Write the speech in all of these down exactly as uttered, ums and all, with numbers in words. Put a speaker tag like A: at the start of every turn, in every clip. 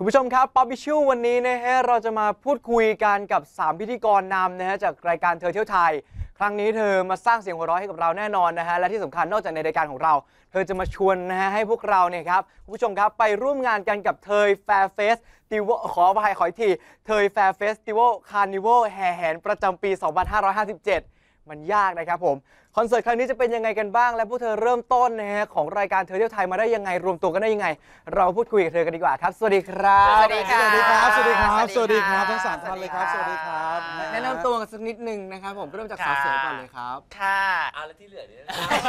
A: ผู้ชมครับป๊อปปี้ชูวันนี้นะฮะเราจะมาพูดคุยกันกับสามพิธีกรนำนะฮะจากรายการเธอเที่ยวไทยครั้งนี้เธอมาสร้างเสียงหัวเราะให้กับเราแน่นอนนะฮะและที่สำคัญนอกจากในรายการของเราเธอจะมาชวนนะฮะให้พวกเราเนี่ยครับผู้ชมครับไปร่วมงานกันกับเธอแฟร์เฟสติวขออภัยขออีกทีเธอแฟร์เฟสติวัลคาร์นิวัลแห่แหนประจำปี สองพันห้าร้อยห้าสิบเจ็ด มันยากนะครับผมคอนเสิร์ตครั้งนี้จะเป็นยังไงกันบ้างและพวกเธอเริ่มต้นนะฮะของรายการเธอเที่ยวไทยมาได้ยังไงรวมตัวกันได้ยังไงเราพูดคุยกับเธอกันดีกว่าครับสวัสดีครับ
B: สวัสดีครับ
C: สวัสดีครับ สวัสดีครับ สวัสดีครับทั้งสามท่านเลยครับ สวัสดีครับ
A: แนะนำตัวกันสักนิดนึงนะครับผมก็เริ่มจากสาวสวยก่อนเลยครับ
B: ค่ะ
D: เอาแล้วที่เหลือเนี่ย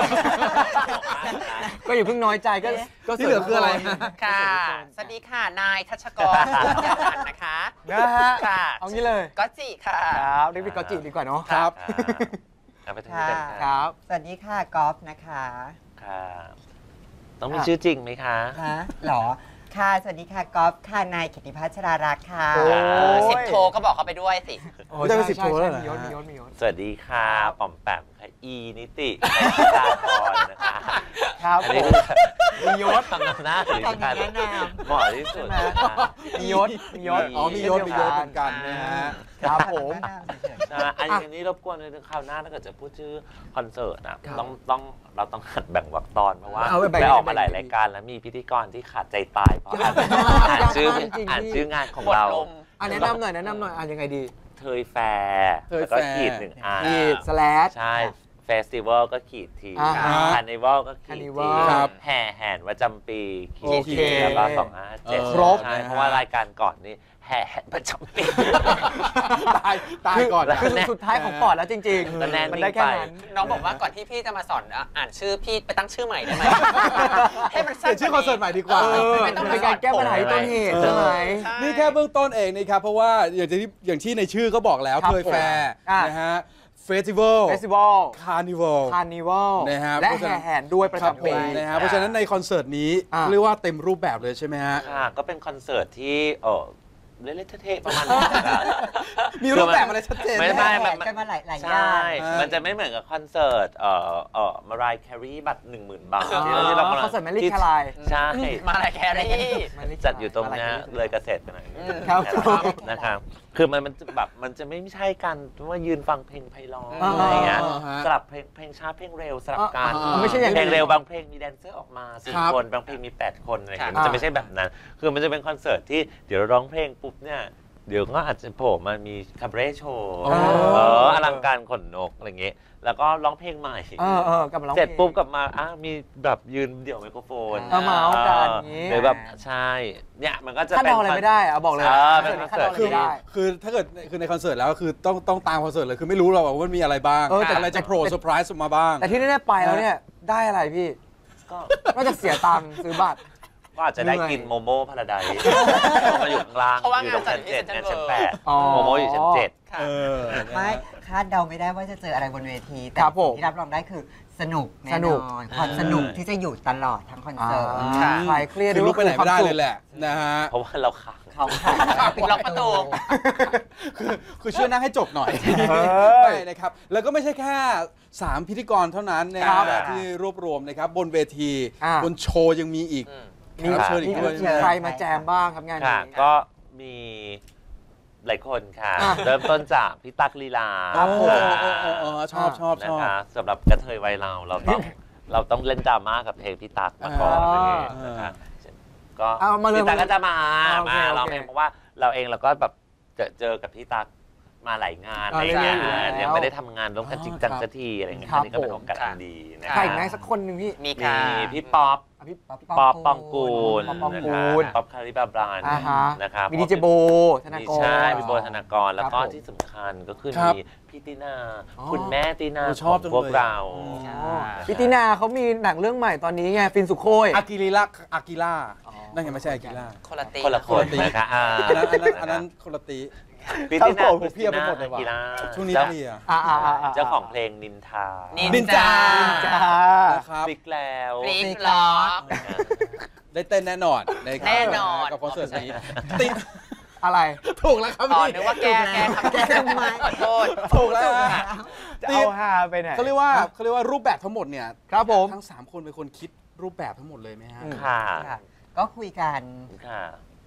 A: ก็อย่าเพิ่งน้อยใจก็ก็ที่เหลือคืออะไร
B: ค่ะ สวัสดีค่ะนายทัชกรสุขยานนะคะ
A: นะฮะ
B: ค่ะ
A: เอางี้เลย
B: ก็จิค่ะ
A: ครับเรียกพี่กอจิดีกว่าเนาะ
C: ครับ
D: เอาไปทางนี้กัน
A: ค
D: ค่ะ
A: รับ
E: สวัสดีค่ะกอล์ฟนะคะ
D: ค่ะต้องมีชื่อจริงไหมคะ
E: ฮะหรอค่ะสวัสดีค่ะกอล์ฟค่ะนายกิติพัชรารักษ์ค่ะ
A: โอ้
B: สิบโทก็บอกเขาไปด้วยสิ
A: โอ้
C: ไม่ได้เป็นสิบโทแล้วเหรอ
A: มียศมียศมียศ
D: สวัสดีค่ะ
A: ครับ
D: ป๋อมแปมค่ะอีนิติตาพรนะคะ
A: ครับ
D: อัน
A: ผ
D: นี้
A: ม
D: คือมียศทำหน้าถึง
E: ทำอย่างแนะน
D: เหมาะที่สุดนะคะ
A: มียศมียศ
C: อ๋อ มียศ มียศเหมือนกันนะฮะ
A: ครับผม
E: แนะนำเฉย
D: นะอันนี้รบกวนในคราวหน้าถ้าเกิดจะพูดชื่อคอนเสิร์ตนะต้องต้องเราต้องหัดแบ่งวรรคตอนเพราะว่า
A: เอาไปแบ่ง
D: ได้ออกมาหลายรายการแล้วมีพิธีกรที่ขาดใจตายเพราะอ่านชื่ออ่านชื่องานของเรา
A: อ่ะแนะนำหน่อยแนะนำหน่อยอ่ะยังไงดี
D: เทยแฟร์แล้วก็ขีดหนึ่งอัน
A: ขีดสแลช
D: ใช่เฟสติวัลก็ขีดที
A: อ่าฮะ
D: คาร์นิวัลก็ขีดที
A: Carnival
C: ครับ
D: แห่แห่นประจำปีขีด
A: โอเค
D: ทีแล้วก็สองห้าเจ็ด
C: เออ
A: ครบ
D: ใช่เพราะว่ารายการก่อนนี่แห่แห่นประจำปี
C: ตาย ตายก่อน
A: คือสุดท้ายของปอดแล้วจริง
D: แต่แน่น
A: ๆ มันได้แค่
D: นิ่งไป
A: นั้น
B: น้องบอกว่าก่อนที่พี่จะมาสอนอ่านชื่อพี่ไปตั้งชื่อใหม่ได้ไหมให้มัน
C: เป
B: สั้
C: ลี่
B: น
C: ยนชื่อคอนเสิร์ตใหม่ดีกว่า
A: เออ
B: ไม่ต้อง
A: เป็นการแก้ปัญหาที่ต้นเหตุใช่ไหม
C: นี่แค่เบื้องต้นเองนะครับ เพราะว่าอย่างที่อย่างที่ในชื่อก็บอกแล้ว
A: ครับ
C: เคยแฟร์
A: อ่ะ
C: นะฮะ เฟสติวัล
A: เฟสติวัล
C: คาร์นิวัล
A: คาร์นิวัล
C: นะฮะ
A: และ
C: เพราะฉะนั้
A: แห่
C: น
A: แหนด้วยประ
C: ครับ
A: จำ
C: ผ
A: ปี
C: มนะฮะเพราะฉะนั้นในคอนเสิร์ตนี้
A: อ่ะ
C: เรียกว่าเต็มรูปแบบเลยใช่ไหมฮะ
D: ค่ะก็เป็นคอนเสิร์ตที่เออเล่นๆเท่ๆประมาณนี้
C: มีรูปแบบอะไรชัดเจน
D: ไม่
E: ๆ
D: ไม่
E: แข่
D: มัน
E: งกันมาหลายหลายอ
D: ใช่
E: ย่าง
D: มันจะไม่เหมือนกับคอนเสิร์ตเอ่อเอ่อมารายแครีบัตรหนึ่งหมื่นบาท
A: อ๋อ
D: ที่เราที่เรากำลัง
A: คอนเสิร์ต Mariah
D: ที่
A: Carey
D: ใช่
B: มาอะไรแครี่
D: จัดอยู่ตรงเนี้ยเลยเกษตรไปหน่อย
A: ครับ
D: นะครับคือมันมันจะแบบมันจะไม่ใช่กันว่ายืนฟังเพลงไพเราะ
A: อ่า
D: อะไรอย่างเงี้ย
C: อ่าฮะ
D: สลับเพลงเพลงช้าเพลงเร็วสลับกัน
A: อ่าไม่ใช่อย่างนั้น
D: เพลงเร็วบางเพลงมีแดนเซอร์ออกมาสี่
C: ครับ
D: คนบางเพลงมีแปดคนอะไรอย่างเงี้ย
A: ครับ
D: มันจะไม่ใช่แบบนั้น คือมันจะเป็นคอนเสิร์ตที่เดี๋ยวเราร้องเพลงปุ๊บเนี่ยเดี๋ยวก็อาจจะโผล่มามีคาบาเร่โชว์
C: อ๋อ
D: เอออลังการขนนกอะไรอย่างเงี้ยแล้วก็ร้องเพลงใหม่
A: เออเออกลับมาร้อง
D: เสร็จ
A: พลง
D: ปุ๊บกลับมาอ่ะมีแบบยืนเดี่ยวไมโครโฟน
A: เอามาเอากันอย่างงี้
D: หรือแบบใช่เนี่ยมันก็จะ
A: คาด
D: เป็น
A: เดาอะไรไม่ได้อะบอกเลย
D: เออเป็นคอนเสิร์ต
A: คาด
C: คือ
A: เดาอะไรไม่ได้
C: คือถ้าเกิดคือในคอนเสิร์ตแล้วคือต้องต้องตามคอนเสิร์ตเลยคือไม่รู้หรอกว่ามันมีอะไรบ้าง
A: เออแต่
C: อะไรจะโผล่เซอร์ไพรส์ออกมาบ้าง
A: แต่ที่แน่ๆไปแล้วเนี่ยได้อะไรพี่
D: ก็
A: นอกจากเสียตังค์ซื้อบัตร
D: ก็อาจจะได้กินโมโม่พาราไดซ์มาอยู่ข้างล่าง
B: เพราะว่า
D: อยู่ตรงชั้น
B: งานจัดที่
D: เจ็ด
B: Central
D: งานชั้น
B: World
D: แปด
A: อ๋อ
D: โมโม่อยู่ชั้นเจ็ด
C: เออ
E: ไม่คาดเดาไม่ได้ว่าจะเจออะไรบนเวที แต่
A: ครับผม
E: ที่รับรองได้คือสนุกแน่
A: สนุ
E: น
A: ก
E: อนความสนุกที่จะอยู่ตลอดทั้งคอน
A: อ่า
E: เสิร์ต
B: ค่ะ
A: คลายเครียด
C: คือลุกไปไหนไม่ได้เลย
A: แห
C: แหละนะฮะ
D: เพราะว่าเราขัง
E: เขาค่ะ
B: ปิดล็อกประตู
C: คือคือช่วยนั่งให้จบหน่อย
A: เออ
C: ไม่นะครับ แล้วก็ไม่ใช่แค่ สาม พิธีกรเท่านั้นนะค
A: ครั
C: รับบ ที่รวบรวมนะครับบนเวที
A: อ่า
C: บนโชว์ยังมีอีก
D: อืม
C: แขกรับเชิญอีก
A: มี
C: ด้วย
A: ใครมาแจมบ้างครับงาน
D: ค่ะ
A: นี้
D: ก็มีหลายคนค่ะ
A: อ่ะ
D: เริ่มต้นจากพี่ตั๊กลีลา
C: ครับผม
D: ค่ะ
C: เออเออเออชอบชอบช
D: นะ
C: อบ
D: คะสำหรับกระเทยวัยเราเราต้องเราต้องเล่นดราม่ากับเพลงพี่ตั๊กมาก่อน
A: อ่า
D: อะไรอย่างเงี้ยนะคะก็
A: เอามาเลย
D: พี่ตั๊กก็จะมา
A: อ่าโอเค
D: มา
A: โอเค
D: ร้องเพลงเพราะว่าเราเองเราก็แบบเจอเจอกับพี่ตั๊กมาหลายงาน
A: อ่า
D: อะไรอย่างเงี้ย
A: เรื่อยๆอยู่แล้ว
D: ยังไม่ได้ทำงานร่วมกันจริงจัง
C: ครับ
D: สักทีอะไรอย่างเงี้ย
A: ครั
D: อั
A: บ
D: นนี้ก็เป็น
A: ผม
D: โอกาสอันดีนะ
A: ใคร
D: คะ
A: อีกไหมสักคนหนึ่งพี่
B: มี
D: มี
B: ค่ะ
D: พี่ป๊อป
A: อ่ะพี่
E: ป๊อป
D: ป๊อปปองกูล
A: ป๊อปปอง
D: นะ
A: กู
D: คะ
A: ล
D: ป๊อปคาริบาบราน
A: อ่าฮะ
D: นะครับ
A: มีดีเจโบธนากร
D: ใช่มีโบธนากรแล้วก็
A: ครับผม
D: ที่สำคัญก็คือ
C: ครับ
D: มีพี่ตินา
A: อ๋อ
D: คุณแม่ตินา
C: โอ้ช
D: ข
C: อ
D: อบ ง
C: จัง
D: พวก
C: เลย
D: เรา
A: อ๋อพี่ตินาเขามีหนังเรื่องใหม่ตอนนี้ไงฟินสุโคย
C: อากิริล่าอากิล่า
A: อ๋อ
C: นั่นไงไม่ใช่อากิล่า
B: คนละตี
D: คนละคนนะคะอ่า
C: อันนั้นอันนั้นอันนั้นคนละตี
D: พี่ตินา
C: ครับผม
D: คุณ
C: เพียบไปหมดเลยว่ะ
D: กีฬา
C: ช่วงนี้
D: เจ้า
C: เพลีย
A: อ่าอ่าอ่า
D: เจ้าของเพลงนินทา
B: นิ
C: นินจา
A: จ้า
C: นะครับ
D: ฟิกแล้ว
B: ฟลิปล็อก
C: ได้เต้นแน่นอนนะครับ
B: แน่นอน
C: กับคอนเสิร์ตนี้ติด
A: อะไร
C: ถูกแล้วครับ
B: อ๋อ
C: พี่
B: นึกว่าแกแกทำแกทำไมขอโทษ
C: ถูกแล้ว
A: จะเอาฮาไปไหน
C: เขาเรียกว่าเขาเรียกว่ารูปแบบทั้งหมดเนี่ย
A: ครับผม
C: ทั้งสามคนเป็นคนคิดรูปแบบทั้งหมดเลยไหมฮะ
A: อืม
D: ค่ะ
E: ค่ะก็คุยกัน
D: ค่ะ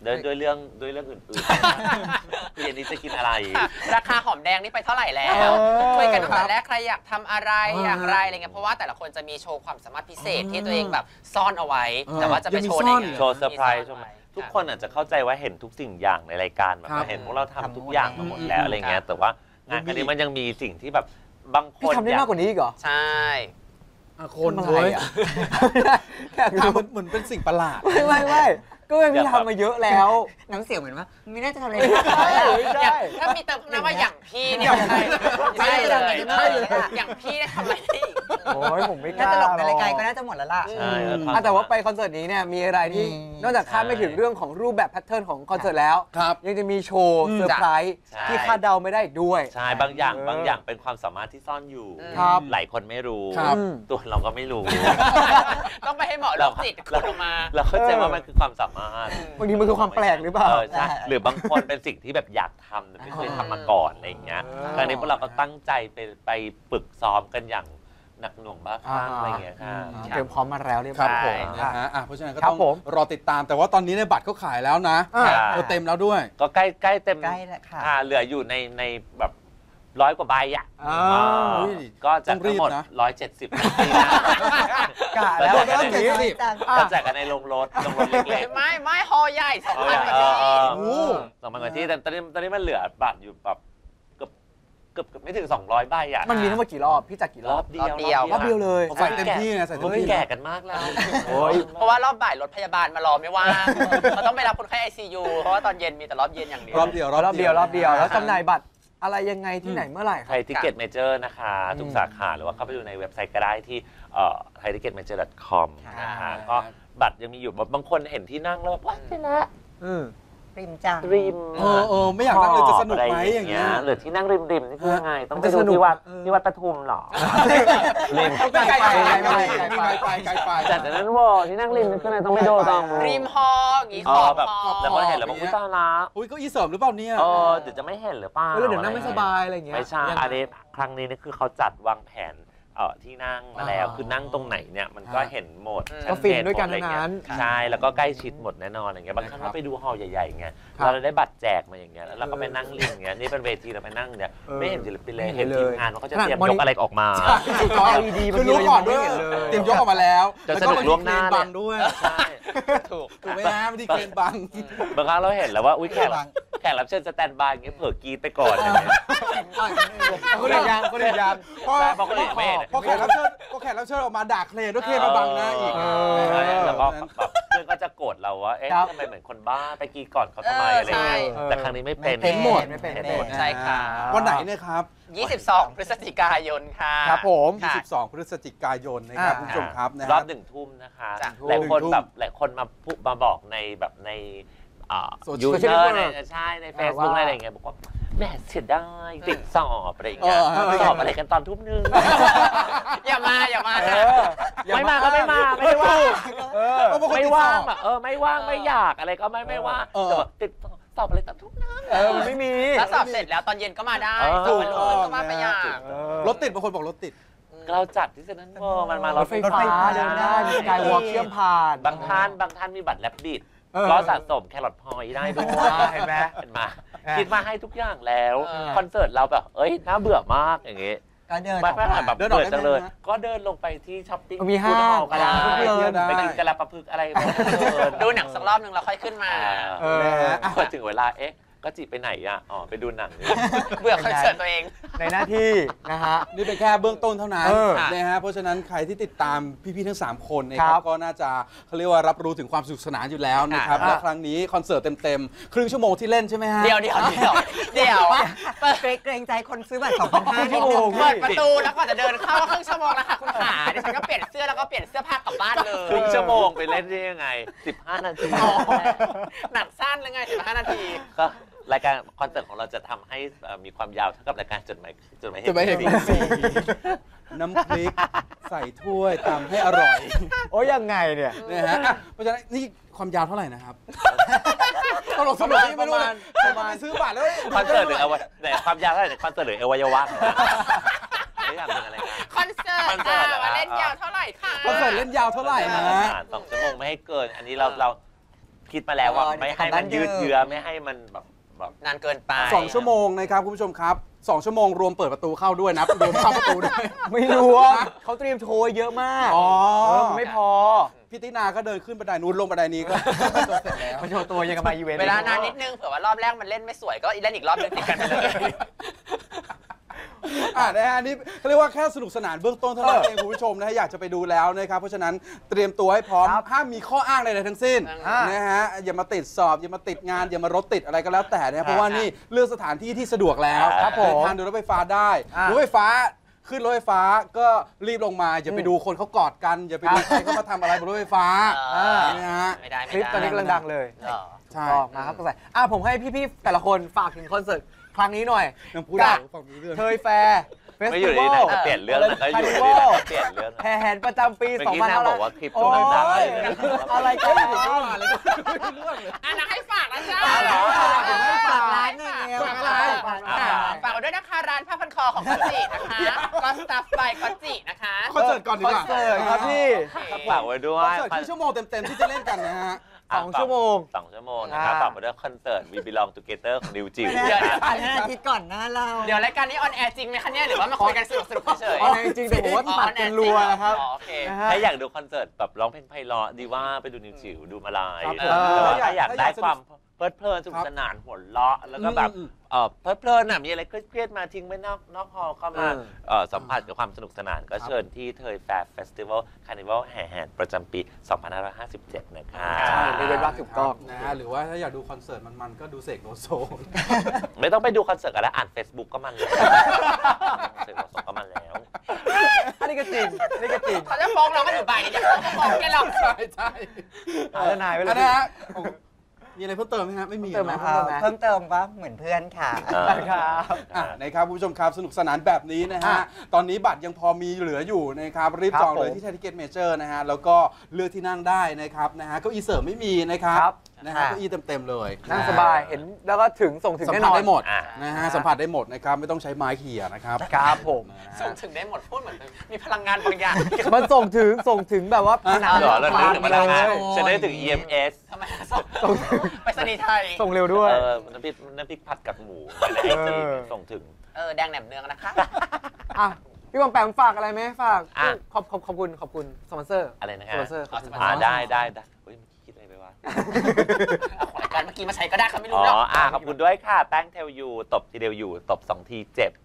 D: ด้วยด้วยเรื่องด้วยเรื่องอื่นๆเย็นนี้จะกินอะไร
B: ราคาหอมแดงนี่ไปเท่าไหร่แล้ว
A: เออ
B: คุยกันตั้งแต่แรกใครอยากทำอะไร
C: เออ
B: อย่างไรอะไรเงี้ยเพราะว่าแต่ละคนจะมีโชว์ความสามารถพิเศษที่ตัวเองแบบซ่อนเอาไว้
C: เออ
B: แต่ว่าจะไป
C: ยังมี
B: โชว์ใน
C: ซ่อน
B: งาน
D: โชว์เซอร์ไพรส์ใช่ไหมทุกคนอาจจะเข้าใจว่าเห็นทุกสิ่งอย่างในรายการแบบ
C: ครับ
D: ว่าเห็นพวกเราทำ
E: ทำ
D: ทุกอย่าง
E: หมด
D: มาหมดแล้วอะไรเงี้ยแต่ว่างานครั้งนี้มันยังมีสิ่งที่แบบบางค
A: พี่
D: น
A: ทำได้
D: อย
A: มากกว่านี้อีกเหรอ
B: ใช่
C: อ่ะคน
A: ทำอะไร
C: เว้ย
A: อ่ะ
C: ทำเหมือนเหมือนเป็นสิ่งประหลาด
A: ไม่ไม่ไม่ก็ยังพี่ทำมาเยอะแล้ว
E: น้ำเสียงเหมือนว่าไม่น่าจะทำอะไร
A: ใช่ใช่
B: ถ้ามีเติมคำนามว่าอย่างพี่เนี่ยใช่ใช่เลย
E: ใช่เลย
B: อย่างพี่ได้ทำอะไรได้อีก
A: โอ้ยผมไม่ก
E: น่า
A: ล้า
E: จะหลบใน
A: ห
E: รายการก็น่าจะหมดแล้วล่ะ
D: ใช่แล้วควม
A: อ่ะแต่ว่าไปคอนเสิร์ตนี้เนี่ยมีอะไรที่
E: อืม
A: นอกจากคาดไม่ถึงเรื่องของรูปแบบแพทเทิร์นของคอนเสิร์ตแล้ว
C: ครับ
A: ยังจะมีโชว์
C: อืม
A: เซอร์ไพรส์
D: ใช่
A: ที่คาดเดาไม่ได้อีกด้วย
D: ใช่บางอย่าง
A: เออ
D: บางอย่างเป็นความสามารถที่ซ่อนอยู่
A: ครับ
D: หลายคนไม่รู้
C: ครับ
D: ตัวเราก็ไม่รู้
B: ต้องไปให้หมอโรคจิตขุดออกมา
D: เราเข้าใจว่ามันคือความสามารถ
A: บางทีมันคือความแปลกหรือเปล่า
D: เออใช่หรือบางคนเป็นสิ่งที่แบบอยากทำแต่ไม่เคยทำมาก่อนอะไรอย่างเงี้ย
A: เออ
D: ครั้งนี้พวกเราก็ตั้งใจไปไปฝึกซ้อมกันอย่างหนักหน่วงบ้าคลั่งอะไรอย่างเงี้ยค่ะ
A: เตรียมพร้อมมาแล้วเรียบ
C: ค
A: ร้
C: รั
A: อบ ย
C: ผม
A: อ่ะ
C: นะฮะอ่ะเพราะฉะนั้นก็
A: ครั
C: ต้
A: บ
C: อง
A: ผม
C: รอติดตาม แต่ว่าตอนนี้ในยบัตรเขาขายแล้วนะ
A: อ่า
C: เออเต็มแล้วด้วย
D: ก็ใกล้ใกล้เต็ม
E: ใกล้แล้วค่ะ
D: อ่าเหลืออยู่ในในแบบร้อยกว่าใบอ่ะ
A: อ่า
D: อ่า
C: อุ้ย
D: ก็จะ
C: ต้องรี
D: ทั้ง
C: บ
D: หมด
C: นะ
D: ร้อยเจ็ดสิบนาทีนะ
A: กะแล้ว
D: แล้ว
C: เจ็ดสิบ
D: ก็แจกกันในโรงรถโรงรถเล็กๆ
B: ไม่ไม่ฮอใหญ่สอง
D: เอ
B: พัน
D: อก
B: ว่า
D: เอ
B: ที่
D: อเออ
C: โอ้
D: สองพันกว่าที่แต่ตอนนี้ตอนนี้มันเหลือบัตรอยู่แบบเกือบเกือบเกือบไม่ถึงสองร้อยใบอ่ะ
A: มันมีทั้งหมดกี่รอบ พี่จัดกี่ร
D: ร
A: อ
D: อ
A: บบ
D: เดียว
B: รอบเดียว
A: รอบเดียวเลย
C: ใส่เต็มที่ไงใส่เต็ม
D: เฮ้ย
C: ที่
D: แก่กันมากแล้ว
A: โอ้ย
B: เพราะว่ารอบบ่ายรถพยาบาลมารอไม่ว่างเขาต้องไปรับคนไข้ ไอ ซี ยู เพราะว่าตอนเย็นมีแต่รอบเย็นอย่างเดียว
C: รอบเดียว
A: รอบเดียวรอบเดียวแล้วจำหน่ายบัตรอะไรยังไงที่ไหนเมื่อไหร่ค
D: ไท
A: รับ
D: ยทิเก็ตเมเจอร์นะคะทุกสาขาหรือว่าเข้าไปดูในเว็บไซต์ก็ได้ที่ไทยทิเก็ตเมเจอร์ ดอท คอม นะคะก็บัตรยังมีอยู่บางคนเห็นที่นั่งแล้วแบบว้าวเจ๊ละ
A: อืม
E: ริมจัง
D: ริม
C: เออเออไม่อยากนั่งเลยจะสนุกไหมอย่างเงี้ย
D: หรือที่นั่งริมริมๆนี่คือยังไง ต้องไป
A: มันจะ
D: ดู
A: สนุก
D: ที่วัด
A: เออ
D: ที่วัดปทุมเหรอริม
C: ไกลไปไกลไปไกล
A: ไกล
C: ไป
A: ไป
C: ไกลไป
D: จากนั้นวอที่นั่งริมนี่คืออะไรต้องไปดูตรง
B: ริมฮออย่างงี้
D: เอ
B: ขอ
D: อบ แบบ
B: ฮอ
D: แล้วก็เห็นแล้วบอกอุ้ยตายละ
C: อุ้ยเก็อีเสริมหรือเปล่าเนี่ย
D: เออเดี๋ยวจะไม่เห็นหรือเปล่า
A: เออแล้วเดี๋ยวนั่งไม่สบายอะไรอย่างเงี้ย
D: ไม่ใช่
A: ยังไง
D: อันนี้ครั้งนี้นี่คือเขาจัดวางแผนเอ่อที่นั่งมาแล้ว
C: อ่า
D: คือนั่งตรงไหนเนี่ยมันก็
C: อ่า
D: เห็นหมด
B: อืม
D: ชั
A: ก็
D: ดเจ
A: ฟินด้วยกัน
D: หมอะไร
A: ทั้ง
D: เงี้
A: นั้
D: ย
A: น
D: ใช่แล้วก็ใกล้ชิดหมดแน่นอนอย่างเงี้ยบางครั้ง
C: นะครับ
D: เราไปดูฮอลล์ใหญ่ๆเงี้ย
A: ครับ
D: เราได้บัตรแจกมาอย่างเงี้ยแล้วเราก็ไปนั่งริมอย่างเงี้ยนี่เป็นเวทีเราไปนั่งเนี่ย
A: เออ
D: ไม่เห็นศิลปินเลย
A: ไม่เห็
D: เห็
A: น
D: น
A: เลย
D: ทีมงานว่าเขาจะ
A: ขนาด
D: เตรียม
A: มอนิ
D: ยกอะไรออกมา
A: จอ แอล อี ดี
C: คือรู้ก่อนด้วย
A: บางทีเรายังไม่เห็นเลย
C: เตรียมยกออกมาแล้ว
D: จะ
C: แล้ว
D: สนุกล่วงหน้า
C: บางด้วย
D: ใช่
B: ถูก
C: ถูกไหมฮะไม่ได้เกณฑ์บัง
D: บางครั้งเราเห็นแล้วว่าอุ้ยแขกรับแขกรับเชิญสแตนบายอย่างเงี้ยเผลอกรีดไปก่อนอย่างเงี้ย
A: คนอื่นยังคนอื่นยัง
C: พอ
D: ใช่เพราะคนอื่นไม่เห็น
C: พอแขกรับเชิญพอแขกรับเชิญออกมาด่าเคลนด้วยเคลนมาบังหน้าอีก
A: เออ
D: ใช่
C: เออ
D: แล้วก็แบบเพื่อนก็จะโกรธเราว่า เอ๊ะ
A: ครับ
D: ทำไมเหมือนคนบ้าไปกรีดก่อนเขาทำไม
B: เออ
D: อะไรอย่างเงี้ย
B: ใช่
D: แต่ครั้งนี้ไม่เป็น
E: ไม่เป็น
A: หมดไม่เป็น
E: ไม่
A: ไม่
E: เป็น
A: หมด
B: ใช่ค่ะ
C: วันไหนเนี่ยครับ
B: ยี่สิบสอง พฤศจิกายนค่ะ
A: ครับผม
B: ค่ะ
C: ยี่สิบสอง พฤศจิกายนนะครับ
A: อ่า
C: คุณผู้ชมครับนะ
D: ร
C: ค
D: อ
C: รั
D: บบ หนึ่งทุ่มนะคะ
B: จ้ะ
D: หลายคน
C: หนึ่งทุ่ม
D: แบบหลายคนมาพูดมาบอกในแบบในอ่า
C: โซเชียล
D: ยูเซอร์ใน
A: เน็ต
D: ใช่ใน Facebook
A: ว่า
D: ในอะไรอย่างเงี้ยบอกว่าแหม่เสียดายติดสอบอะไรอย่างเงี้ย
C: เออ
D: สอบอะไรกันตอนทุ่มนึง
B: อย่ามาอย่ามา
A: เอ
B: นะ
A: ออย่
D: ไม่มาก็ไม่มาไม่ได้ว่า
A: เออ
C: ก็บางคน
D: ไม่
C: ติดส
D: ว่า
C: อง บ
D: อ่ะเออไม่ว่างไม่อยากอะไรก็ไม่ไม่ว่า
C: เออ
D: แต่แบบติดสอบอะไรตอนทุ่มนึง
A: เออมันไม่มี
B: แล้วสอบเสร็จแล้วตอนเย็นก็มาได้
D: เออ
B: สอบวันรุ่งขึ้นก็มาไปอย่าง
A: เออ
C: รถติดบางคนบอกรถติด
D: เราจัดที่เซนทรัลเวิลด์มันมาร ร
A: ถไฟฟ้าเดินได้มีสกายวอล์กเชื่อมผ่าน
D: บางท่านบางท่านมีบัตรแลบบิด
A: เออ
D: ก็สะสมแครอทพอยต์ได้ด้วย
A: เห็นไหม
D: เห็นไหม
A: อ่ะ
D: คิดมาให้ทุกอย่างแล้ว
B: เออ
D: คอนเสิร์ตเราแบบ เอ้ย น่าเบื่อมากอย่างงี้
E: ก็เดินอ
D: ไม่
E: อก
D: ไม่
E: มา
D: แบบ
C: เดินออก
D: เบื่อ
C: ได้ไหม
D: จังเลย
C: ฮะ
D: ก็เดินลงไปที่ช้อปปิ้ง
A: มีห้าง
D: ฟู้ดฮอลล์ก็ได้
A: ร้านเพลิน
D: ไปกินกะลาปลาพึกอะไรแบบนั้น
B: ดูหนังสักรอบหนึ่งแล้วค่อยขึ้นมา
A: เออ
C: นะฮะ
D: พอถึงเวลา เอ๊ะ ก็จีไปไหนอ่ะ อ๋อ ไปดูหนังนี่
B: เบื่อคอนเสิร์ตตัวเอง
A: ในหน้าที่นะฮะ
C: นี่เป็นแค่เบื้องต้นเท่านั้น
A: เออ
C: นะฮะเพราะฉะนั้นใครที่ติดตามพี่ๆทั้งสามคนนะค
A: ค
C: รั
A: รั
C: บบ ก็น่าจะเขาเรียกว่ารับรู้ถึงความสนุกสนานอยู่แล้วนะครับ
A: ค่ะ
C: และครั้งนี้คอนเสิร์ตเต็มๆ ครึ่งชั่วโมงที่เล่นใช่ไหมฮะ
B: เดี๋ยวเดี๋ยวเดี๋ยวเดี๋ยว
E: เกรงเกรงใจคนซื้อบัตรสองพันห้านิดนึง
B: เปิดประตูแล้วก่อนจะเดินเข้าก็ครึ่งชั่วโมงแล้วค่ะคุณขาดิฉันก็เปลี่ยนเสื้อแล้วก็เปลี่ยนเสื้อผ้ากลับบ้านเลย
D: ครึ่งชั่วโมงไปเล่นได้ยังไง สิบห้า นาที
B: อ๋อหนักสั้นเลยไงสิบห้านาที
D: ก็รายการคอนเสิร์ตของเราจะทำให้เอ่อมีความยาวเท่ากับรายการจดหมายจดหมายเห
C: จะไม่เห็น
D: ตุ
C: น้ำพริกใส่ถ้วยตำให้อร่อย
A: โอ้ยยังไงเนี่ย
C: นะฮะอ่ะเพราะฉะนั้นนี่ความยาวเท่าไหร่นะครับตลกสนุกนี่ไม่รู้เลย
A: ประมาณ
C: ไปซื้อบัตรแล้ว
D: คอนเสิร์ตหรืออวัยไหนความยาวเท่าไหร่คอนเสิร์ตหรืออวัยวะไม่อยากเป็นอะไรนะ
B: คอนเสิร์ต
D: คอนเสิ
B: ค่ะ
D: ร์ตเหรอ
B: มาเล่นยาวเท่าไหร่คะ
C: คอนเสิร์ตเล่นยาวเท่าไหร่นะ
D: สองชั่วโมงไม่ให้เกิน อันนี้เราเราคิดมาแล้วว่า
E: เออ
D: ไม่ให้มันยืดเยื้อไม่ให้มันแบบแบบ
B: นานเกินไป
C: สองชั่วโมงนะครับคุณผู้ชมครับสองชั่วโมงรวมเปิดประตูเข้าด้วยนะรวมเข้าประตูด้วย
A: ไม่รู้ว่าเขาเตรียมโชว์เยอะมาก
C: อ๋อ
A: เออมันไม่พอ
C: พี่ตินาก็เดินขึ้นบันไดนู้นลงบันไดนี้ก็ตัวเสร็จแล้ว
A: มาโชว์ตัวยังกับมาอีเวนต์
B: เวลานานนิดนึงเผื่อว่ารอบแรกมันเล่นไม่สวยก็เล่นอีกรอบนึงติดกันไปเลย
C: อ่านะฮะนี่เขาเรียกว่าแค่สนุกสนานเบื้องต้นเท่านั้นเองคุณผู้ชมนะฮะอยากจะไปดูแล้วนะครับเพราะฉะนั้นเตรียมตัวให้พร้อมห้ามมีข้ออ้างใดๆทั้งสิ้น
A: อ่า
C: นะฮะอย่ามาติดสอบอย่ามาติดงานอย่ามารถติดอะไรก็แล้วแต่นะเพราะว่านี่เลือกสถานที่ที่สะดวกแล้ว
A: ครับผม
C: เดินทางโดยรถไฟฟ้าได้
A: อ่าร
C: ถไฟฟ้าขึ้นรถไฟฟ้าก็รีบลงมาอย่าไปดูคนเขากอดกันอย่าไปดูใครเขามาทำอะไรบนรถไฟฟ้า
B: อ่า
C: นะฮะ
B: ไม่ได้
A: ค
B: ไม่
A: ลิป
B: ได้
A: ตอนนี้กำลังดังเลย
B: เหรอ
C: ใช่
A: ก็มาครับก็ใส่อ่ะผมให้พี่ๆแต่ละคนฝากถึงคอนเสิร์ตครั้งนี้หน่อย
C: ยังพูดได้ฟังรู้เรื่อง
A: เทยแฟร์เฟส
D: ไม่อ
A: ติ
D: ยู่
A: วั
D: ดี
A: ล
D: นะจะเปลี่ยนเรื่องนะก็อยู่ดีนะจะเปลี่ยนเรื่องนะ
A: แห่แหนประจำปี
D: เมื่อ
A: สอง
D: กี้
A: พัน
D: นาง
A: ห้าร้
D: บ
A: อ
D: อย กว่าคลิปตัวมันดังเลย
A: อะไรกัน
B: อ่ะนะให้ฝากนะจ๊ะ
A: เอาเหรอ
E: ฝากร้านหน่อยเร็ว
C: ฝากอะไร
E: ฝาก
B: อ่ะ
E: ร้าน
B: ฝากไว้ด้วยนะคะร้านผ้าพันคอของก็จินะคะก็สตัฟไปก็จินะคะ
C: คอนเสิร์ตก่อนดี
A: คอก น
C: ว่า
A: เสิร์ตครับพี่
D: ฝากไว้ด้ว
C: คอน
D: ย
C: เสิร์ตที่ชั่วโมงเต็มๆที่จะเล่นกันนะฮะ
A: สองชั่วโมง
D: สองชั่วโมงนะครับ
A: อ่า
D: ฝากไว้ด้วยคอนเสิร์ต We Belong Together ของนิวจิ๋ว
B: เดี๋ยว
D: นะครับ
E: อันนั้นอาทิตย์ก่อนหน้าเรา
B: เดี๋ยวรายการนี้ออนแอร์จริงไหมคะเนี่ยหรือว่ามาคุยกันสนุกสนุกๆเฉย
A: เอาจริงๆแต่ผมว่าตัดกันรัวนะครับ
B: อ๋อโอเค
A: นะฮะ
D: ถ้าอยากดูคอนเสิร์ตแบบร้องเพลงไพเราะดีว่าไปดูนิวจิ๋วดูมาลาย
C: ครับ
D: เออแต่ว่า
C: เออ
D: ถ้าอยาก
C: ถ้าอ
D: ได้
C: ยากสนุก
D: ความเพลิดเพลินสนุกสนานหัวเราะแล้วก็แบบ
C: อืม
D: เออเพลิดเพลินน่ะมีอะไรเครียดๆมาทิ้งไว้นอกนอกฮอลล์เข้ามา
A: เออ
D: เอ่อสัมผัสกับความสนุกสนานก็เชิญที่เทยแฟร์เฟสติวัลคาร์นิวัลแห่แหนประจำปี สองพันห้าร้อยห้าสิบเจ็ด นะคะ
A: ใช่นี่เป็นรักถูกต้อง
C: นะฮะหรือว่าถ้าอยากดูคอนเสิร์ตมันๆก็ดูเสกโลโซ
D: ไม่ต้องไปดูคอนเสิร์ตกันแล้วอ่าน Facebook ก็มันแล้วเสกโลโซก็มันแล้ว
A: อันนี้ก็จริงอันนี้ก็จริง
B: เขาจะฟ้องเราก็อยู่บ่ายนี้เดี๋ยวเขาจะฟ้องแกหรอก
C: ใช่ใช่
A: หาทนายไว้เล
C: อั
A: ย
C: นนะฮะมีอะไรเพิ่มเติมไหมฮะไม่มี
A: เพิ่มเติมไหม
C: เนอะ
E: เอ่อเพิ่มเติมว่าเหมือนเพื่อนค่ะ
A: ครับ
C: อ่ะนะครับคุณผู้ชมครับสนุกสนานแบบนี้นะฮะ
A: อ่ะ
C: ตอนนี้บัตรยังพอมีเหลืออยู่นะครับรีบ
A: ครับ
C: จองเลย
A: ผม
C: ที่ไทยทิเก็ตเมเจอร์นะฮะแล้วก็เลือกที่นั่งได้นะครับนะฮะเก้าอี้เสริมไม่มีนะครับ
A: ครับ
C: นะฮะ
E: ค่ะ
C: เก้าอี้เต็มๆเลย
A: นั่งสบายเห็นแล้วก็ถึงส่งถึง
C: สัม
A: แน่
C: ผั
A: น
C: ส
A: อน
C: ได้หมด
D: อ่ะ
C: นะฮะสัมผัสได้หมดนะครับไม่ต้องใช้ไม้เขี่ยนะครับ
A: ครับผม
C: นะฮะ
B: ส่งถึงได้หมดพูดเหมือนมีพลังงานบางอย่าง
A: มันส่งถึงส่งถึงแบบว่าผนัง
D: เหรอแล้วนึกถึงพลังงาน
A: เลย
D: ฉันได้ถึง อี เอ็ม เอส
B: ทำไมส่งไปสนีย์ไทย
A: ส่งเร็วด้วย
D: เออน้ำพริกน้ำพริกผัดกับหมูในไอจี
A: เออ
D: ส่งถึง
B: เออแดงแหนมเนืองนะคะ
A: อ่ะพี่บอมแปมฝากอะไรไหมฝาก
D: อ่ะ
A: ขอบขอบขอบคุณขอบคุณสปอนเซอร์
D: อะไรนะ
A: ส
D: ฮะ
A: ปอนเซอร์ขอบคุณ
D: อ่าได้ได้ได้เฮ้ยคิดอะไรไปวะ
B: เอาของรายการเมื่อกี้มาใช้ก็ได้เขาไม่
D: อ๋
B: รู้
D: อ
B: หรอก
D: อ่าขอบคุณด้วยค่ะ แป้งเทลยูตบทีเดียวอยู่ ตบสองทีเจ็บ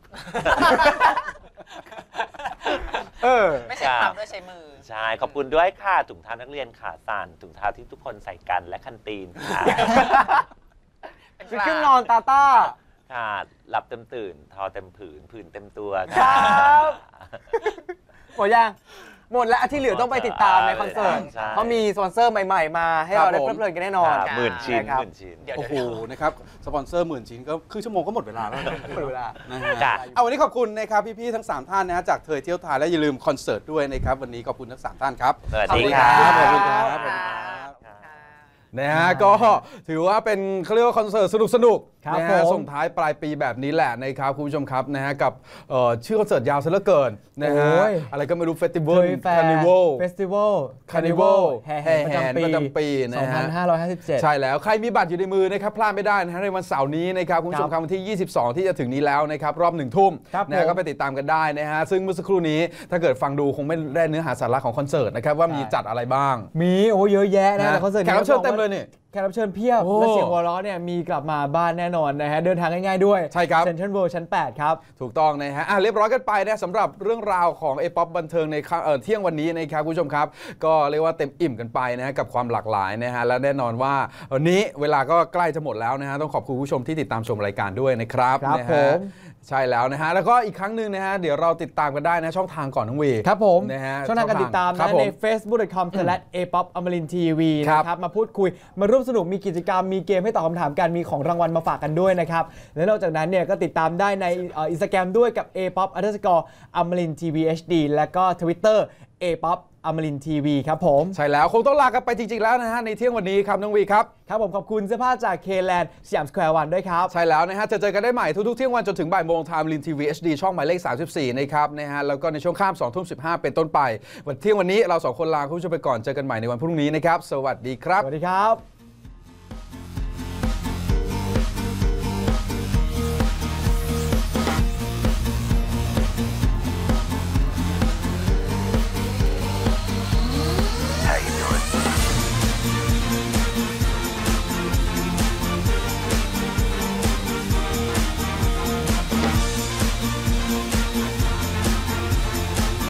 A: เออ
B: ไม่ใช่ทำด้วยใช้มือ
D: ใช่ ขอบคุณด้วยค่ะ ถุงเท้านักเรียนขาสั่นถุงเท้าที่ทุกคนใส่กันและคันตีนค่ะ
A: ชุดเครื่องนอนตาต้า
D: ค่ะ หลับเต็มตื่น ทอเต็มผืน ผืนเต็มตัว
A: ครั
D: ค่ะ
A: บ หมดยังหมดแล้วที่เหลือต้องไปติดตามในคอนเสิร์ต
D: ใช่
A: เขามีสปอนเซอร์ใหม่ๆมาให้เราได้
C: ครับผม
A: เพลิดเพลินกันแน่นอน
D: ค่ะหมื่นชิ้น
A: ครับ
D: หมื่นชิ้น
B: เดี๋ยว
C: โอ้โหนะครับสปอนเซอร์หมื่นชิ้นก็ครึ่งชั่วโมงก็หมดเวลาแล้วนะ
A: หมดเวลา
C: นะฮะ
D: จ้ะ
C: เอาวันนี้ขอบคุณนะครับพี่ๆทั้งสามท่านนะฮะจากเทยเที่ยวไทยและอย่าลืมคอนเสิร์ตด้วยนะครับวันนี้ขอบคุณทั้งสามท่านครับ
D: สวัส
A: ขอบ
D: ดี
A: คุณ
D: ครั
A: ครับ
C: ขอบ
D: บ
C: คุณครับ
B: ขอบคุณครับ
C: นะฮะก็ถือว่าเป็นเขาเรียกว่าคอนเสิร์ตสนุกสนุกๆ
A: ครับ
C: นะ
A: ผ
C: ฮะ
A: ม
C: ส่งท้ายปลายปีแบบนี้แหละนะครับคุณผู้ชมครับนะฮะกับเอ่อชื่อคอนเสิร์ตยาวซะเหลือเกินนะฮะ
A: โอ้ย
C: อะไรก็ไม่รู้เฟสติวั
A: เท
C: ล
A: ยแฟ
C: คา
A: ร์
C: ร์นิวัล
A: เฟสติวัล
C: คาร์นิวัล
A: แห่แห
C: แห่
A: น
C: แหน
A: ป
C: ประ ระ
A: จำ
C: จำ
A: ปี
C: ปีนะฮะ
A: สองพันห้าร้อยห้าสิบเจ็ด
C: ใช่แล้วใครมีบัตรอยู่ในมือนะครับพลาดไม่ได้นะฮะในวันเสาร์นี้นะครับคุณผู้ชมครับวันที่ ยี่สิบสอง ที่จะถึงนี้แล้วนะครับรอบหนึ่งทุ่ม
A: ครับ
C: นะฮะ
A: ผม
C: ก็ไปติดตามกันได้นะฮะซึ่งเมื่อสักครู่นี้ถ้าเกิดฟังดูคงไม่ได้เนื้อหาสาระของคอนเสิร์ตนะครับว่ามีจัดอะไรบ้าง
A: มีโอ้เยอะแยะนะแต่คอนเสิร์ต
C: แขกรับเชิญเต็มเลยนี่
A: แขกรับเชิญเพียบ
C: โอ้
A: และเสียงหัวเราะเนี่ยมีกลับมาบ้านแน่นอนนะฮะเดินทางง่ายๆด้วย
C: ใช่ครับ
A: เซ็นทรัลเวิลด์ชั้นแปดครับ
C: ถูกต้องนะฮะอ่ะเรียบร้อยกันไปนะสำหรับเรื่องราวของเอป๊อปบันเทิงในค่ำเอ่อเที่ยงวันนี้นะครับคุณผู้ชมครับ ก็เรียกว่าเต็มอิ่มกันไปนะฮะกับความหลากหลายนะฮะและแน่นอนว่าวันนี้เวลาก็ใกล้จะหมดแล้วนะฮะต้องขอบคุณผู้ชมที่ติดตามชมรายการด้วยนะครับ
A: ครับ
C: นะ
A: ผ
C: ฮะ
A: ม
C: ใช่แล้วนะฮะแล้วก็อีกครั้งหนึ่งนะฮะเดี๋ยวเราติดตามกันได้นะช่องทางก่อนทั้งวี
A: ครับผม
C: นะฮะ
A: ช่องทางการติดตาม
C: ครั
A: นะ
C: บผม
A: ใน เฟซบุ๊ก ดอท คอม สแลช เอ ป๊อป อมรินทร์ทีวี
C: ครับ
A: นะครับมาพูดคุยมาร่วมสนุกมีกิจกรรมมีเกมให้ตอบคำถามกันมีของรางวัลมาฝากกันด้วยนะครับและนอกจากนั้นเนี่ยก็ติดตามได้ในอินสตาแกรมด้วยกับ เอ ป๊อป อันเดอร์สกอร์ อมรินทร์ทีวี เอช ดี แล้วก็ Twitter เอ ป๊อป อมรินทร์ทีวีครับผม
C: ใช่แล้วคงต้องลากันไปจริงๆแล้วนะฮะในเที่ยงวันนี้ครับน้องวีครับ
A: ครับผมขอบคุณเสื้อผ้าจากเคแลนด์สยามสแควร์วันด้วยครับ
C: ใช่แล้วนะฮะจะเจอกันได้ใหม่ทุกๆเที่ยงวันจนถึงบ่ายโมงทางลินทีวี เอช ดี ช่องหมายเลขสามสิบสี่นะครับนะฮะแล้วก็ในช่วงข้ามสองทุ่มสิบห้าเป็นต้นไปวันเที่ยงวันนี้เราสองคนลาคุณผู้ชมไปก่อนเจอกันใหม่ในวันพรุ่งนี้นะครับสวัสดีครับ
A: สวัสดีครับ